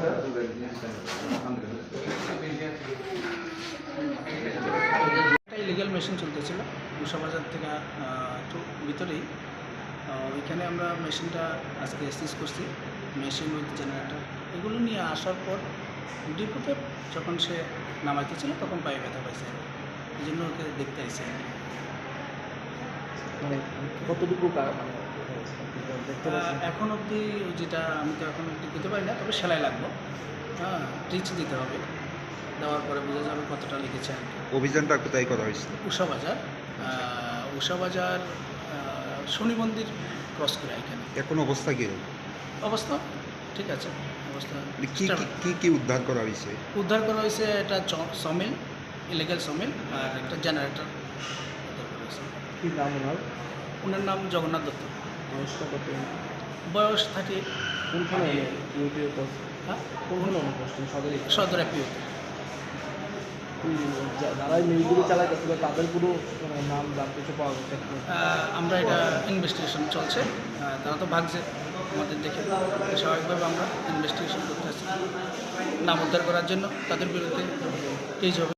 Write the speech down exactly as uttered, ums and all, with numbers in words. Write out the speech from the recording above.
একটা illegal machine চলতেছিল উষা বাজার থেকে একটু ভিতরেই। ওইখানে আমরা মেশিনটা আজকে সিজ করছি, মেশিন উইথ জেনারেটর এগুলো নিয়ে আসার পর ডিপোতে যখন সে নামাইতেছিল তখন পায়ে ব্যথা পাইছে, এই জন্য ওকে দেখতে আইসে। মানে কতটুকু মানে এখন অবধি যেটা আমি তো এখন অবধি দিতে পারি না, তবে সেলাই লাগলো, হ্যাঁ টিচ দিতে হবে, দেওয়ার পরে বোঝা যাবে কতটা লেগেছে আর কি। অভিযানটা কোথায় করা হয়েছিল? উষা বাজার, উষা বাজার শনি মন্দির ক্রস করে এখানে। এখন অবস্থা কী? অবস্থা ঠিক আছে, অবস্থা কি কি কি উদ্ধার করা হয়েছে? উদ্ধার করা হয়েছে একটা সমিল, ইলিগাল সমিল, আর একটা জেনারেটর উদ্ধার করা হয়েছে। কী নাম ওনার? ওনার নাম জগন্নাথ দত্ত। বয়সটা কত? বয়স থাকে কোনখানে ইউটিউব পোস্ট? হ্যাঁ কোনখানে অনুপোস্ট? সদরে সদর এপিওতে। যারা মিলগুলি চালাইতেছিল তাদের কোনো মানে নাম জানতে কিছু পাওয়া যাচ্ছে? আমরা এটা ইনভেস্টিগেশন চলছে, তারা তো ভাগছে আমাদের দেখে, স্বাভাবিকভাবে আমরা ইনভেস্টিগেশন করতে আসছি নাম উদ্ধার করার জন্য তাদের বিরুদ্ধে কেস হবে।